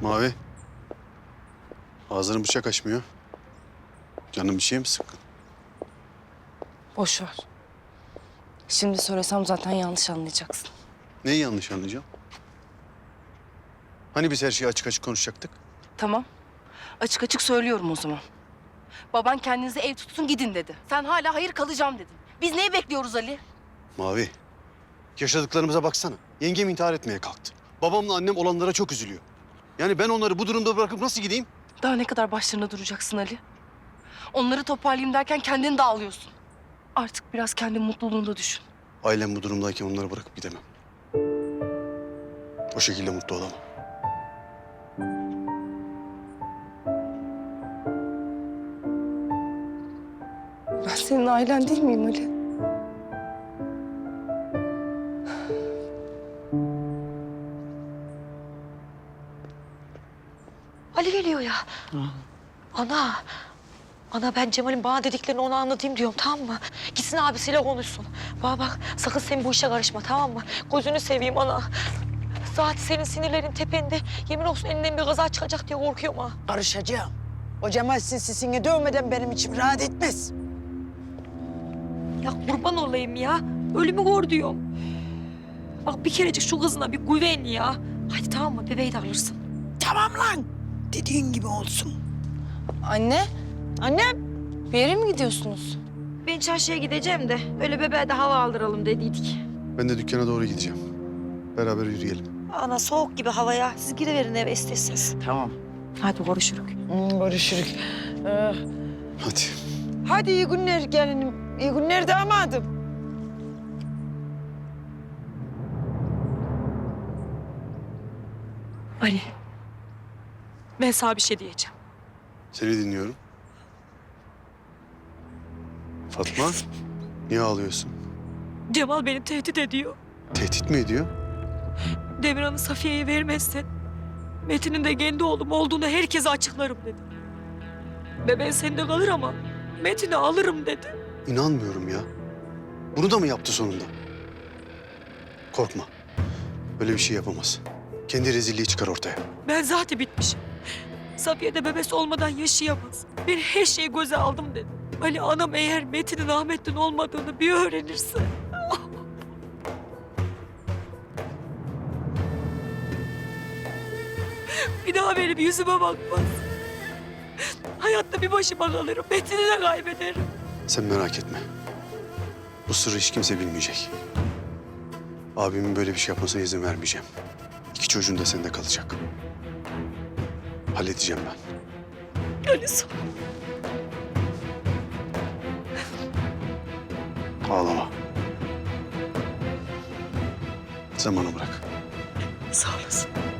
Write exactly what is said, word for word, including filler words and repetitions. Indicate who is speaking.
Speaker 1: Mavi. Ağzını bıçak açmıyor. Canın bir şey mi sıkkın?
Speaker 2: Boş ver. Şimdi söylesem zaten yanlış anlayacaksın.
Speaker 1: Neyi yanlış anlayacağım? Hani biz her şeyi açık açık konuşacaktık?
Speaker 2: Tamam. Açık açık söylüyorum o zaman. Baban kendinize ev tutsun gidin dedi. Sen hala hayır kalacağım dedin. Biz neyi bekliyoruz Ali?
Speaker 1: Mavi. Yaşadıklarımıza baksana. Yengem intihar etmeye kalktı. Babamla annem olanlara çok üzülüyor. Yani ben onları bu durumda bırakıp nasıl gideyim?
Speaker 2: Daha ne kadar başlarına duracaksın Ali? Onları toparlayayım derken kendini dağılıyorsun. Artık biraz kendi mutluluğunu da düşün.
Speaker 1: Ailem bu durumdayken onları bırakıp gidemem. O şekilde mutlu olamam.
Speaker 2: Ben senin ailen değil miyim Ali?
Speaker 3: Ali geliyor ya. Hı. Ana. Ana ben Cemal'in bana dediklerini ona anlatayım diyorum, tamam mı? Gitsin abisiyle konuşsun. Bana bak, sakın sen bu işe karışma, tamam mı? Gözünü seveyim ana. Zaten senin sinirlerin tepende. Yemin olsun elinden bir kaza çıkacak diye korkuyorum ha.
Speaker 4: Karışacağım. O Cemal sinsisini dövmeden benim içim rahat etmez.
Speaker 3: Ya kurban olayım ya. Ölümü gör diyorum. Bak bir kerecik şu kızına bir güven ya. Hadi tamam mı? Bebeği de alırsın.
Speaker 4: Tamam lan. Dediğin gibi olsun.
Speaker 2: Anne,
Speaker 3: Annem.
Speaker 2: bir yere mi gidiyorsunuz?
Speaker 3: Ben çarşıya gideceğim de öyle bebeğe de hava aldıralım dediydik.
Speaker 1: Ben de dükkana doğru gideceğim. Beraber yürüyelim.
Speaker 3: Ana soğuk gibi havaya. Siz giriverin eve isterseniz.
Speaker 4: Tamam.
Speaker 3: Hadi görüşürük.
Speaker 4: Hmm, görüşürük. Ee,
Speaker 1: Hadi.
Speaker 4: hadi iyi günler gelinim. İyi günler damadım.
Speaker 3: Ali. Ben sana bir şey diyeceğim.
Speaker 1: Seni dinliyorum. Fatma, niye ağlıyorsun?
Speaker 3: Cemal beni tehdit ediyor.
Speaker 1: Tehdit mi ediyor?
Speaker 3: Demirhan'ı Safiye'ye vermezsen Metin'in de kendi oğlum olduğunu herkese açıklarım dedi. Bebeğin sende kalır ama Metin'i alırım dedi.
Speaker 1: İnanmıyorum ya. Bunu da mı yaptı sonunda? Korkma. Böyle bir şey yapamaz. Kendi rezilliği çıkar ortaya.
Speaker 3: Ben zaten bitmişim. Safiye de bebesi olmadan yaşayamaz. Ben her şeyi göze aldım dedi. Ali anam eğer Metin'in Ahmet'ten olmadığını bir öğrenirse... bir daha benim yüzüme bakmaz. Hayatta bir başıma kalırım. Metin'i de kaybederim.
Speaker 1: Sen merak etme. Bu sırrı hiç kimse bilmeyecek. Abimin böyle bir şey yapmasına izin vermeyeceğim. İki çocuğun da sende kalacak. Halledeceğim ben.
Speaker 3: Ali sağ ol.
Speaker 1: Ağlama. Sen bana bırak.
Speaker 3: Sağ olasın.